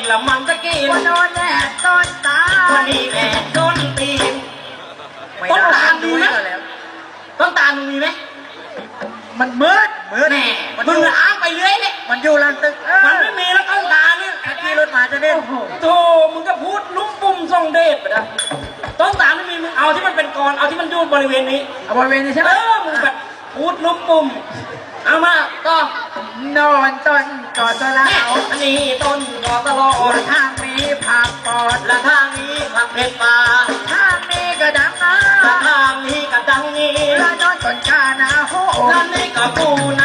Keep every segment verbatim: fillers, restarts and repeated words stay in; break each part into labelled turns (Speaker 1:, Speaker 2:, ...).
Speaker 1: ละมันจะกิน
Speaker 2: ว่าโดนแดดต้นตา
Speaker 1: วันนี้แม่ต้นตีนต้นตาลมีไหมต้นตาลมึงมีไหม
Speaker 2: มันมืดมืด
Speaker 1: แน่มึงอ้างไปเรื่อยเลย
Speaker 2: มันอยู่หลังตึก
Speaker 1: มันไม่มีแล้วต้นตาลเนี่ย
Speaker 2: ถ้าขี่รถมาจะเด่น
Speaker 1: โธ่มึงก็พูดลุ่มปุ่มทรงเดชไปนะต้นตาลไม่มีมึงเอาที่มันเป็นกรเอาที่มันอยู่บริเวณนี้
Speaker 2: เอาบริเวณนี้ใช่ไห
Speaker 1: เอ
Speaker 2: ม
Speaker 1: อมึงแบบพูดลุ่มปุ่มเอามาก็
Speaker 2: นอนต้นกอดตัวละ
Speaker 1: แม่
Speaker 2: เอา
Speaker 1: อันนี้ต้นกอตลอด
Speaker 2: ทางมีผักปอด
Speaker 1: และทางนี้ผักเผ็ดปลา
Speaker 2: ทางมีกระดังนะ
Speaker 1: และทางนี้กระดังนี้
Speaker 2: แล้วนอนต้นกาหนาโห
Speaker 1: และนี่ก็ปูนะ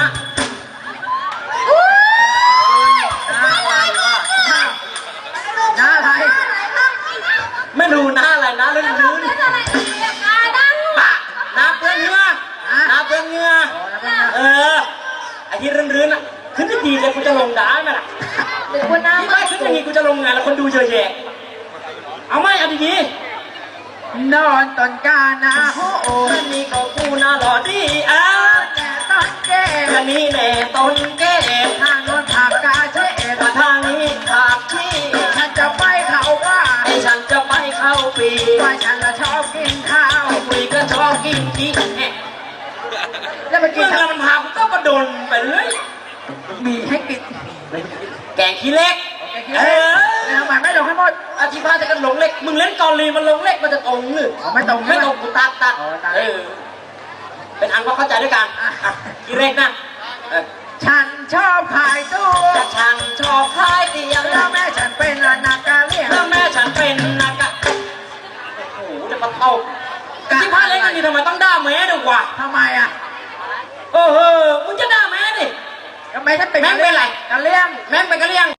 Speaker 2: หน้าอะไรวะหน้าอะไร
Speaker 1: ไม่ดูหน้าอะไรนะลื่นลื่นปะหน้าเปื้อนเหงื่อหน้าเปื้อนเหงื่อเออไอ้ที่รื่นรื่นอ่ะขึ้นที่ดีเลยกูจะลงด่าไหมล่ะ
Speaker 2: เด็กคนหน้า
Speaker 1: ที่บ้านขึ้นอย่างนี้กูจะลงงานแล้วคนดูเยอะแยะเอาไหมเอาดี
Speaker 2: นอนต้นกาหนาโห
Speaker 1: ๆอันนี้ก็ปูนะหล่อดีอ่ะ
Speaker 2: แต่ต้นแก่
Speaker 1: อันนี้แน่ต้นแก้
Speaker 2: ทางโน้นผักกาเชษ
Speaker 1: มาทางนี้ผักที่
Speaker 2: ฉันจะไปเขาว่า
Speaker 1: ไอ้ฉันจะไปเข้าปี
Speaker 2: ว่าฉันละชอบกินข้าว
Speaker 1: ไอ้คุยก็ชอบกินขี้แหะ
Speaker 2: แล้วไปกิ
Speaker 1: เมื่
Speaker 2: น
Speaker 1: อเงินมันพากูก็กระโดนไปเลย
Speaker 2: มีให้กิน
Speaker 1: แกงขี้เล็กเออ
Speaker 2: แล้วมันไม่ลงให้หมด
Speaker 1: อาทิพาจะกันหลงเล็กมึงเล่นกอลีมันหลงเล็กมันจะตรงหรือ
Speaker 2: ไม่ตรง
Speaker 1: ไม่ตรงกูตัดตัด
Speaker 2: อ๋อตัด
Speaker 1: เออเป็นอันว่าเข้าใจด้วยกันอ่ะขี้เล็กนะเออ
Speaker 2: ฉันชอบขายตู้
Speaker 1: แต่ฉันชอบพายเตียง
Speaker 2: แล้วแม่ฉันเป็นอนาคาเลีย
Speaker 1: ถ้าแม่ฉันเป็นนักอะโอ้โหจะมาเข้าที่พาเล็กนี่ทำไมต้องด่าแม่ด้วยวะ
Speaker 2: ทำไมอ่ะ
Speaker 1: โอ้โหมึงจะด่าแม่ดิ
Speaker 2: ทำไมฉันเป็น
Speaker 1: แม่งเป็นไร
Speaker 2: กะเลี่ยง
Speaker 1: แม่งเป็นกะเลี่ยง